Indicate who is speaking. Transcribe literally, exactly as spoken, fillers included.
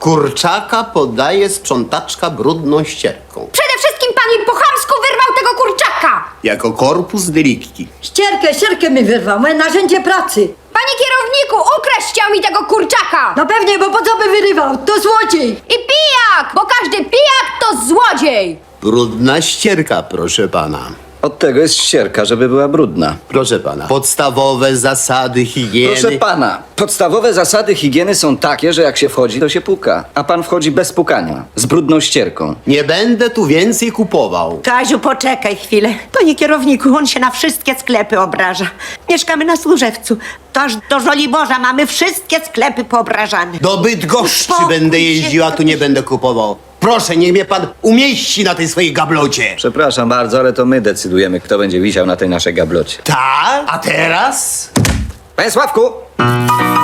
Speaker 1: Kurczaka podaje sprzątaczka brudną ścierką.
Speaker 2: Przede wszystkim pan mi po chamsku wyrwał tego kurczaka!
Speaker 1: Jako korpus delicti.
Speaker 3: Ścierkę, ścierkę mi wyrwał, moje narzędzie pracy.
Speaker 2: Panie kierowniku, ukraść chciał mi tego kurczaka!
Speaker 3: No pewnie, bo po co by wyrywał? To złodziej.
Speaker 2: I pijak, bo każdy pijak to złodziej!
Speaker 1: Brudna ścierka, proszę pana.
Speaker 4: Od tego jest ścierka, żeby była brudna.
Speaker 1: Proszę pana. Podstawowe zasady higieny.
Speaker 4: Proszę pana, podstawowe zasady higieny są takie, że jak się wchodzi, to się puka. A pan wchodzi bez pukania, z brudną ścierką.
Speaker 1: Nie będę tu więcej kupował.
Speaker 5: Kaziu, poczekaj chwilę. Panie kierowniku, on się na wszystkie sklepy obraża. Mieszkamy na Służewcu. To aż do Żoliborza mamy wszystkie sklepy poobrażane.
Speaker 1: Do Bydgoszczy
Speaker 5: Uspokój
Speaker 1: będę
Speaker 5: się.
Speaker 1: jeździł, a tu nie będę kupował. Proszę, niech mnie pan umieści na tej swojej gablocie.
Speaker 4: Przepraszam bardzo, ale to my decydujemy, kto będzie wisiał na tej naszej gablocie.
Speaker 1: Tak? A teraz?
Speaker 4: Panie Sławku!